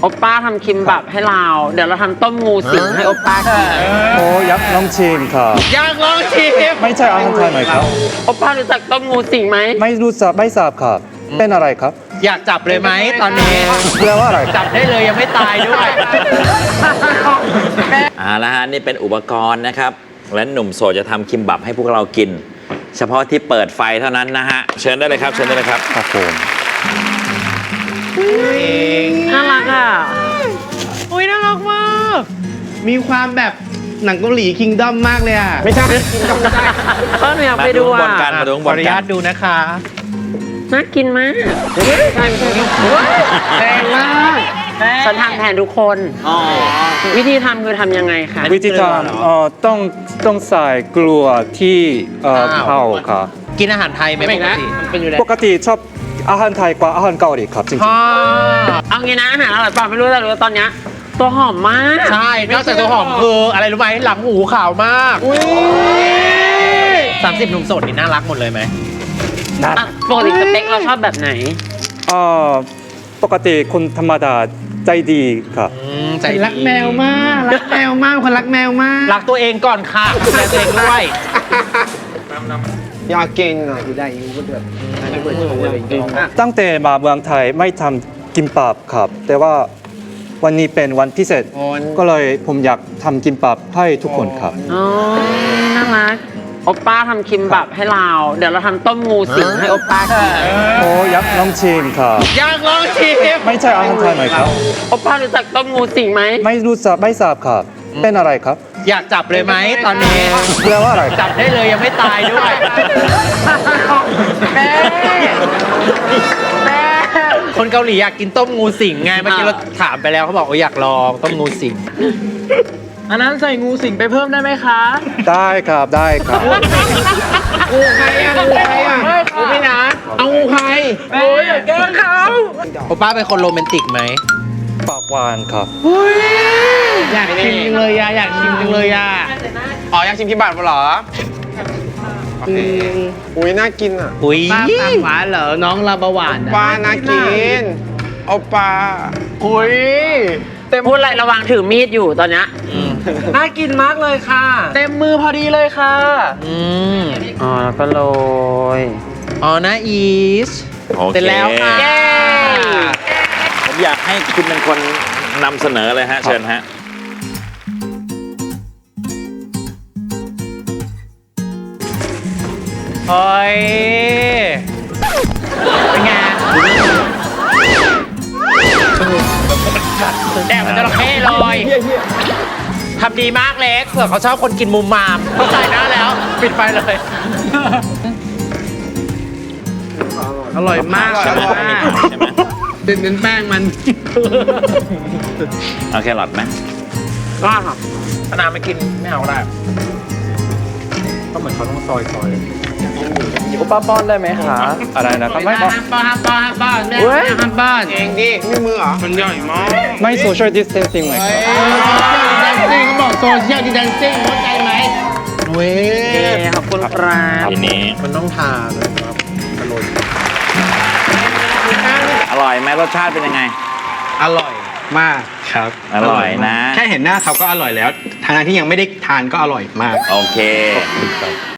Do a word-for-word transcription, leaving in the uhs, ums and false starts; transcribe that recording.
โอป้าทำคิมบับให้เราเดี๋ยวเราทำต้มงูสิงให้โอป้ากินโอ้ยักษ์ลองชิมครับอยากลองชิมไม่ใช่อาหารไทยไหมครับโอป้ารู้จักต้มงูสิงไหมไม่รู้จักไม่ทราบครับเป็นอะไรครับอยากจับเลยไหมตอนนี้แปลว่าอะไรคจัรับบได้เลยยังไม่ตายด้วยอ่าแล้วฮะนี่เป็นอุปกรณ์นะครับ และหนุ่มโสดจะทำคิมบับให้พวกเรากิน เฉพาะที่เปิดไฟเท่านั้นนะฮะ เชิญได้เลยครับ เชิญได้เลยครับครับผมน่ารักอ่ะอุ้ยน่ารักมาก มีความแบบหนังเกาหลีคิงดอมมากเลยอ่ะไม่ใช่ก็หนูอยากไปดูมาดูข้างบอ่ะนกัน มาดูข้างขบอน อนุกัญาน ตดูนะคะน่ากินมากใช่ไม่ใช่แรงมากฉันทำแทนทุกคนวิธีทำคือทำยังไงคะวิธีทำเอ่อต้องต้องใส่เกลือที่เอ่ออ้าวเผาครับกินอาหารไทยไหมปกติเป็นอยู่แล้วปกติชอบอาหารไทยกว่าอาหารเกาหลีครับจริงฮ่าเอางี้นะอาหารอร่อยเปล่าไม่รู้แต่รู้ว่าตอนเนี้ยตัวหอมมากใช่ นอกจากตัวหอมคืออะไรรู้ไหมหลังหูขาวมากสามสิบหนุ่มโสดนี่น่ารักหมดเลยไหมๆนะอ่ะปกติสเต็กเราชอบแบบไหนเอ่อปกติคนธรรมดาใจดีครับอืมใจดีรักแมวมาก รักแมวมาก คนรักแมวมากรักตัวเองก่อนค่ะดูแลตัวเองด้วยอยากเก่งอ่ะอยู่ได้อยู่ก็เดือดไม่เปิดโชว์อะไรอย่างเงี้ยตั้งแต่มาเมืองไทยไม่ทำกิมบับครับ แต่ว่าวันนี้เป็นวันพิเศษ ก็เลยผมอยากทำกิมบับให้ทุกคนครับอ๋อ น่ารัก โอป้าทำคิมบับให้เราเดี๋ยวเราทำต้มงูสิงให้โอป้ากินโอ้ยักษ์ลองชิมครับอยากลองชิมไม่ใช่อาหารไทยไหมครับโอป้ารู้จักต้มงูสิงไหมไม่รู้จักไม่ทราบครับเป็นอะไรครับอยากจับเลยไหมตอนนี้แปลว่าอะไรครับจับได้เลยยังไม่ตายด้วยแม่แม่คนเกาหลีอยากกินต้มงูสิงไงเมื่อกี้เราถามไปแล้วเขาบอกว่าอยากลองต้มงูสิงอันนั้นใส่งูสิงไปเพิ่มได้ไหมคะได้ครับได้ครับงูใครอ่ะงูใครอ่ะงูพี่นะเอางูใครโอ้ยอย่าแกล้งเขาโอป้าเป็นคนโรแมนติกไหมปากหวานครับอยากชิมจังเลยอ่ะอยากชิมจังเลยอ่ะอ๋ออยากชิมคิมบับเหรอโอเคอุ้ยน่ากินอ่ะอุ้ยป้าปากหวานเหรอ น้องลาบหวานอะปลาน่ากินเอาปลาอุ้ยพูดอะไรระวังถือมีดอยู่ตอนเนี้ยน่ากินมากเลยค่ะ เต็มมือพอดีเลยค่ะอืมอ๋อ แล้วก็โรยอ๋อนะอีสโอเคเสร็จแล้วค่ะเย้ผมอยากให้คุณเป็นคนนำเสนอเลยฮะ เชิญฮะเฮ้ย เป็นไงแดกมันจระเข้เลยทำดีมากเล็กเผื่อเขาชอบคนกินมุมมาม เข้าใจนะแล้ว ปิดไฟเลยอร่อยมากใช่ไหมอร่อยมากใช่ไหมเป็นเป็นแป้งมันเอาแครอทไหมก็ค่ะถ้าน้ำไม่กินไม่เอาก็ได้ก็เหมือนเขาต้องซอยซอยโอป้าป้อนได้ไหมคะอะไรนะครับไม่ห้ามป้อนห้ามป้อนห้ามป้อนแม่ห้ามป้อนเองดิไม่มือเหรอ มันใหญ่มากไม่ social distancing ไหมครับดิเขาบอกโซเชียลดิแดนซิ่งเข้าใจไหมเว้ยเย้ขอบคุณครับทีนี้มันต้องทานเลยครับอร่อยอร่อยไหมรสชาติเป็นยังไงอร่อยมากครับอร่อยนะแค่เห็นหน้าเขาก็อร่อยแล้วทางที่ยังไม่ได้ทานก็อร่อยมากโอเค